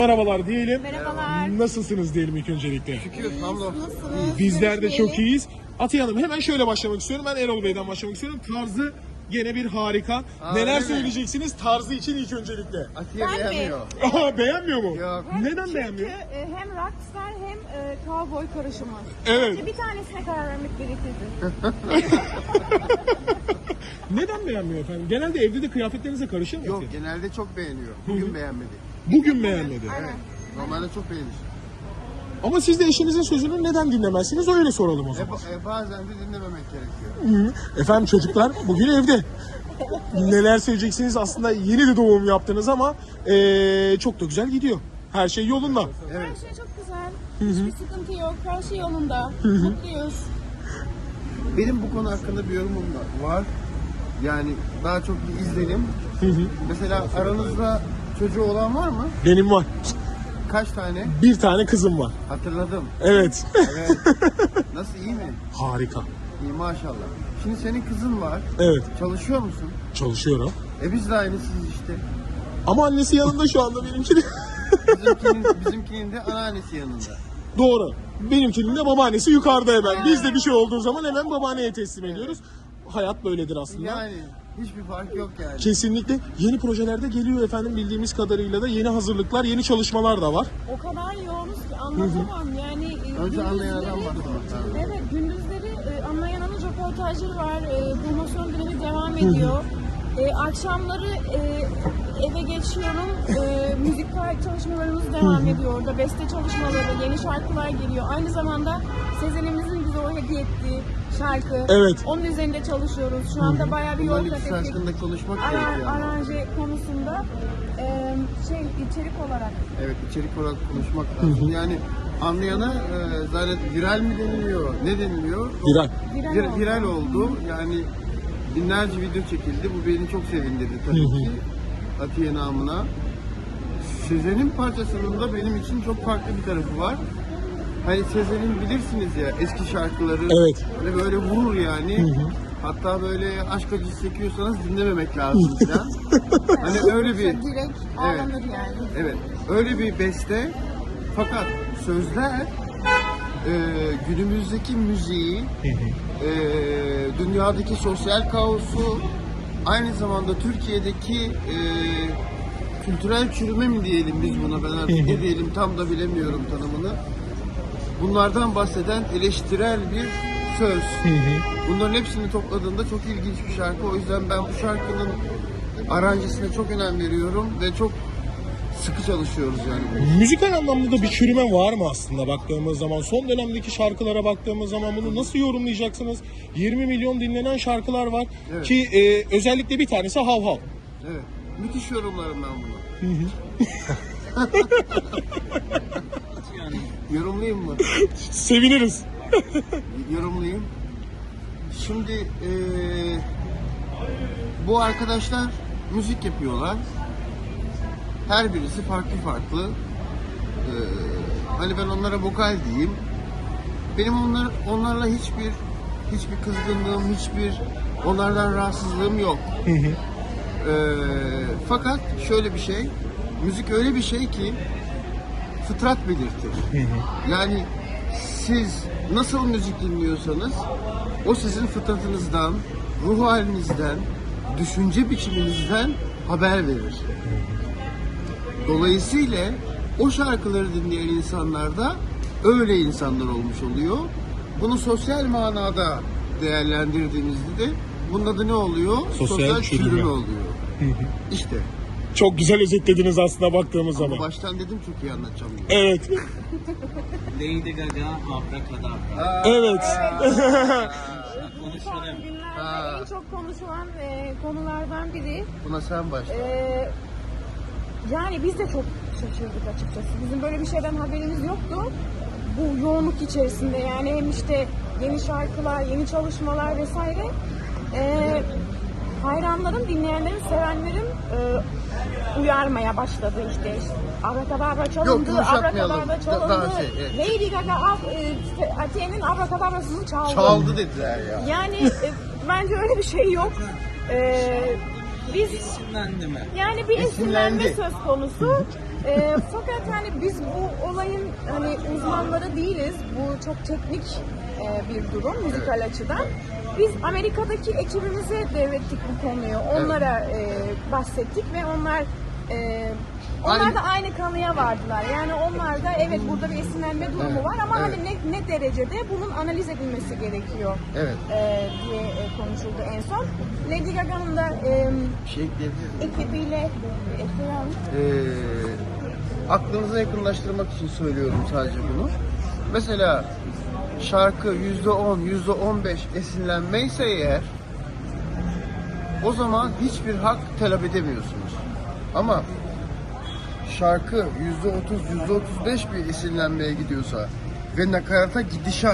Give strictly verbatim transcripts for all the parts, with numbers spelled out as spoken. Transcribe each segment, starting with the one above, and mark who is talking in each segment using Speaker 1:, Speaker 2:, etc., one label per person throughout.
Speaker 1: Merhabalar diyelim.
Speaker 2: Merhabalar.
Speaker 1: Nasılsınız diyelim ilk öncelikle.
Speaker 3: Şükür, hamdolsun.
Speaker 2: Nasılsınız?
Speaker 1: Bizler de çok
Speaker 2: Görüşmeyeli.
Speaker 1: iyiyiz. Atiye Hanım hemen şöyle başlamak istiyorum. Ben Erol Bey'den başlamak istiyorum. Tarzı gene bir harika.
Speaker 3: Aa,
Speaker 1: Neler
Speaker 3: öyle mi?
Speaker 1: söyleyeceksiniz tarzı için ilk öncelikle?
Speaker 3: Atiye
Speaker 2: Ben mi?
Speaker 3: beğenmiyor.
Speaker 1: Aha, beğenmiyor mu?
Speaker 3: Yok.
Speaker 1: Neden
Speaker 2: Çünkü
Speaker 1: beğenmiyor?
Speaker 2: e, hem rockstar hem e, cowboy karışımı.
Speaker 1: Evet.
Speaker 2: Bence bir tanesine karar vermek gerekirdi.
Speaker 1: Neden beğenmiyor efendim? Genelde evde de kıyafetlerinize karışır mı?
Speaker 3: Yok,
Speaker 1: Atiye?
Speaker 3: genelde çok beğeniyor. Bugün beğenmedi.
Speaker 1: Bugün beğenmedi.
Speaker 2: Aynen.
Speaker 3: Normalde çok beğenir.
Speaker 1: Ama siz de eşinizin sözünü neden dinlemezsiniz? Öyle soralım o
Speaker 3: E,
Speaker 1: zaman.
Speaker 3: ba- e, bazen de dinlememek gerekiyor.
Speaker 1: Hı. Efendim çocuklar bugün evde. Neler söyleyeceksiniz? Aslında yeni de doğum yaptınız ama eee, çok da güzel gidiyor. Her şey yolunda.
Speaker 3: Evet.
Speaker 2: Her şey çok güzel. Hiçbir sıkıntı yok. Her şey yolunda. Mutluyuz.
Speaker 3: Benim bu konu hakkında bir yorumum da var. Yani daha çok bir izlenim. Mesela aranızda çocuğu olan var mı?
Speaker 1: Benim var.
Speaker 3: Kaç tane?
Speaker 1: Bir tane kızım var.
Speaker 3: Hatırladım.
Speaker 1: Evet.
Speaker 3: Evet. Nasıl, iyi mi?
Speaker 1: Harika.
Speaker 3: İyi maşallah. Şimdi senin kızın var.
Speaker 1: Evet.
Speaker 3: Çalışıyor musun?
Speaker 1: Çalışıyorum.
Speaker 3: E biz de aynısıyız işte.
Speaker 1: Ama annesi yanında şu anda benimkinin.
Speaker 3: Bizimkinin, bizimkinin de anneannesi yanında.
Speaker 1: Doğru. Benimkinin de babaannesi yukarıda hemen. Biz de bir şey olduğu zaman hemen babaanneye teslim ediyoruz. Hayat böyledir aslında.
Speaker 3: Yani hiçbir fark yok yani.
Speaker 1: Kesinlikle. Yeni projelerde geliyor efendim bildiğimiz kadarıyla da yeni hazırlıklar, yeni çalışmalar da var.
Speaker 2: O kadar yoğunuz ki anlatamam. Yani e,
Speaker 3: Önce anlayan adam
Speaker 2: gündüzleri-
Speaker 3: var ama.
Speaker 2: Evet, gündüzleri e, anlayanın röportajları var. E, promosyon dönemi devam ediyor. E, akşamları e, eve geçiyorum. E, müzik çalışmalarımız devam ediyor orada. Beste çalışmaları, yeni şarkılar geliyor. Aynı zamanda Sezen'imizin bize o hediye ettiği şarkı.
Speaker 1: Evet.
Speaker 2: Onun üzerinde çalışıyoruz. Şu anda bayağı bir yol
Speaker 3: Bunların
Speaker 2: kat
Speaker 3: ikisi
Speaker 2: ettik.
Speaker 3: hakkında konuşmak
Speaker 2: Aran,
Speaker 3: gerekiyor. ama.
Speaker 2: aranje konusunda e, şey içerik olarak.
Speaker 3: Evet, içerik olarak konuşmak lazım. Yani anlayana e, zaten viral mi deniliyor, ne deniliyor?
Speaker 1: Viral.
Speaker 2: Viral
Speaker 3: Vir-
Speaker 2: oldu.
Speaker 3: viral oldu. Yani binlerce video çekildi. Bu beni çok sevindirdi tabii ki. Atiye namına. Sezen'in parçasının da benim için çok farklı bir tarafı var. Hani Sezen'in bilirsiniz ya eski şarkıları
Speaker 1: Evet.
Speaker 3: hani böyle vurur yani. Hatta böyle aşk acısı çekiyorsanız dinlememek lazım falan. Hani öyle bir
Speaker 2: Direkt ağlanır yani.
Speaker 3: evet öyle bir beste. Fakat sözler e, günümüzdeki müziği, e, dünyadaki sosyal kaosu, aynı zamanda Türkiye'deki e, kültürel çürüme mi diyelim biz buna, ben artık ne diyelim tam da bilemiyorum tanımını. Bunlardan bahseden eleştirel bir söz. Bunların hepsini topladığında çok ilginç bir şarkı. O yüzden ben bu şarkının aranjesine çok önem veriyorum ve çok sıkı çalışıyoruz yani.
Speaker 1: Müzikal anlamda da bir çürüme var mı aslında baktığımız zaman? Son dönemdeki şarkılara baktığımız zaman bunu nasıl yorumlayacaksınız? yirmi milyon dinlenen şarkılar var
Speaker 3: Evet.
Speaker 1: ki e, özellikle bir tanesi Hav Hav.
Speaker 3: Evet. Müthiş yorumlarım ben bunu. Yorumlayayım mı?
Speaker 1: Seviniriz.
Speaker 3: Yorumlayayım. Şimdi eee, bu arkadaşlar müzik yapıyorlar. Her birisi farklı farklı. Eee, hani ben onlara vokal diyeyim. Benim onlar onlarla hiçbir hiçbir kızgınlığım, hiçbir onlardan rahatsızlığım yok. Eee, fakat şöyle bir şey, müzik öyle bir şey ki fıtrat belirtir. Yani siz nasıl müzik dinliyorsanız o sizin fıtratınızdan, ruh halinizden, düşünce biçiminizden haber verir. Dolayısıyla o şarkıları dinleyen insanlar da öyle insanlar olmuş oluyor. Bunu sosyal manada değerlendirdiğimizde de bunun adı ne oluyor?
Speaker 1: Sosyal çürüme.
Speaker 3: çürüme oluyor. İşte.
Speaker 1: Çok güzel özetlediniz aslında baktığımız
Speaker 3: Ama
Speaker 1: zaman.
Speaker 3: baştan dedim çok iyi anlatacağım diye.
Speaker 1: Evet.
Speaker 4: Lady Gaga, Abracadabra.
Speaker 1: Evet.
Speaker 2: Son
Speaker 3: Ha.
Speaker 2: günlerde en çok konuşulan e, konulardan biri.
Speaker 3: Buna sen başla.
Speaker 2: E, yani biz de çok şaşırdık açıkçası. Bizim böyle bir şeyden haberimiz yoktu. Bu yoğunluk içerisinde yani hem işte yeni şarkılar, yeni çalışmalar vesaire. E, hayranlarım, dinleyenlerim, sevenlerim e, uyarmaya başladı işte. Abracadabra
Speaker 3: Yok,
Speaker 2: çalındı,
Speaker 3: yumuşatmayalım.
Speaker 2: Abracadabra çalındı.
Speaker 3: Daha şey, evet.
Speaker 2: Lady Gaga ab- e, Atiye'nin Abracadabra'sını çaldı.
Speaker 3: Çaldı dediler ya.
Speaker 2: Yani e, bence öyle bir şey yok. E, biz
Speaker 4: Esinlendi mi?
Speaker 2: yani bir esinlenme
Speaker 3: Esinlendi.
Speaker 2: söz konusu. E, fakat hani biz bu olayın hani uzmanları değiliz. Bu çok teknik e, bir durum müzikal açıdan. Biz Amerika'daki ekibimize devrettik bu konuyu. Onlara e, bahsettik ve onlar e, onlar
Speaker 3: Aynı-
Speaker 2: da aynı kanıya vardılar. Yani onlar da evet burada bir esinlenme durumu
Speaker 3: Evet,
Speaker 2: var ama
Speaker 3: evet.
Speaker 2: hani ne, ne derecede bunun analiz edilmesi gerekiyor
Speaker 3: Evet.
Speaker 2: e, diye e, konuşuldu en son. Lady Gaga'nın da e,
Speaker 3: Şey ekleyebilir miyim?
Speaker 2: ekibiyle ekleyen
Speaker 3: Ee, aklınıza yakınlaştırmak için söylüyorum sadece bunu. Mesela şarkı yüzde on, yüzde on beş esinlenmeyse eğer o zaman hiçbir hak talep edemiyorsunuz. Ama şarkı yüzde otuz, yüzde otuz beş bir esinlenmeye gidiyorsa ve nakarata gidişat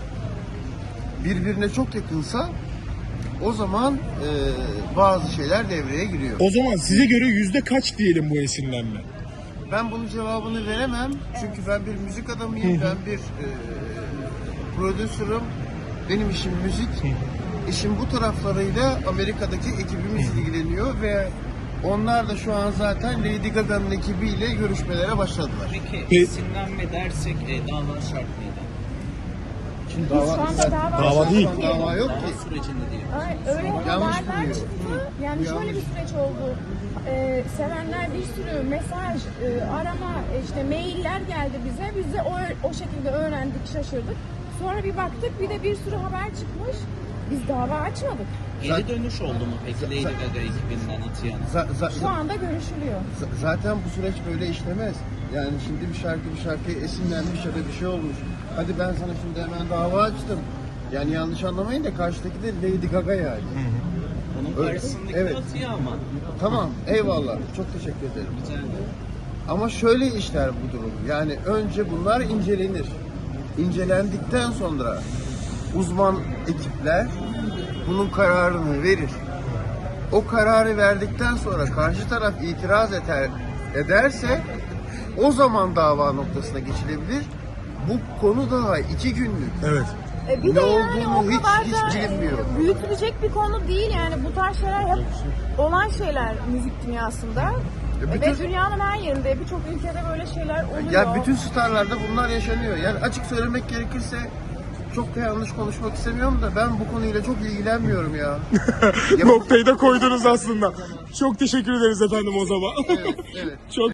Speaker 3: birbirine çok yakınsa o zaman e, bazı şeyler devreye giriyor.
Speaker 1: O zaman size göre yüzde kaç diyelim bu esinlenme?
Speaker 3: Ben bunun cevabını veremem çünkü ben bir müzik adamıyım, ben bir e, prodüsörüm, benim işim müzik. İşin bu taraflarıyla Amerika'daki ekibimiz ilgileniyor ve onlar da şu an zaten Lady Gaga'nın ekibiyle görüşmelere başladılar.
Speaker 4: Peki
Speaker 1: Pe-
Speaker 4: esinlenme dersek e, dava şart mıydı?
Speaker 3: Şimdi
Speaker 2: Biz şu anda dava,
Speaker 1: Dava değil.
Speaker 3: Dava yok
Speaker 4: Dava
Speaker 3: ki.
Speaker 4: sürecinde diyor.
Speaker 2: Ay, öyle
Speaker 3: Yanlış
Speaker 2: haberler
Speaker 3: biliyor.
Speaker 2: çıktı. Yani
Speaker 3: Bu
Speaker 2: şöyle
Speaker 3: yanlış.
Speaker 2: bir süreç oldu. Ee, sevenler bir sürü mesaj, e, arama, e, işte mailler geldi bize. Biz de o, o şekilde öğrendik, şaşırdık. Sonra bir baktık, bir de bir sürü haber çıkmış. Biz dava açmadık.
Speaker 4: Geri dönüş oldu mu peki Lady Gaga ekibinden Atiye'nin?
Speaker 3: Za- za-
Speaker 2: Şu anda görüşülüyor.
Speaker 3: z- zaten bu süreç böyle işlemez. Yani şimdi bir şarkı bir şarkıya esinlenmiş ya da bir şey olmuş. Hadi ben sana şimdi hemen dava açtım. Yani yanlış anlamayın da karşıdaki de Lady Gaga yani.
Speaker 4: Onun
Speaker 3: Öyle.
Speaker 4: karşısındaki
Speaker 3: Evet.
Speaker 4: Atiye ama.
Speaker 3: Tamam, eyvallah. Çok teşekkür ederim.
Speaker 4: Güzeldi.
Speaker 3: Ama şöyle işler bu durum. Yani önce bunlar incelenir. İncelendikten sonra uzman ekipler bunun kararını verir. O kararı verdikten sonra karşı taraf itiraz eder, ederse o zaman dava noktasına geçilebilir. Bu konu daha iki günlük.
Speaker 1: Evet.
Speaker 2: E, bir
Speaker 3: Ne
Speaker 2: de yani
Speaker 3: olduğunu
Speaker 2: o
Speaker 3: hiç-
Speaker 2: kadar
Speaker 3: hiç
Speaker 2: da
Speaker 3: bilinmiyor.
Speaker 2: e, büyütülecek bir konu değil yani. Bu tarz şeyler hep olan şeyler müzik dünyasında.
Speaker 3: E,
Speaker 2: E,
Speaker 3: bütün-
Speaker 2: Ve dünyanın her yerinde, birçok ülkede böyle şeyler oluyor.
Speaker 3: Ya bütün starlarda bunlar yaşanıyor. Yani açık söylemek gerekirse çok da yanlış konuşmak istemiyorum da ben bu konuyla çok ilgilenmiyorum ya. Ya-
Speaker 1: Noktayı da koydunuz aslında. Çok teşekkür ederiz efendim o zaman.
Speaker 3: Evet, evet.
Speaker 1: Çok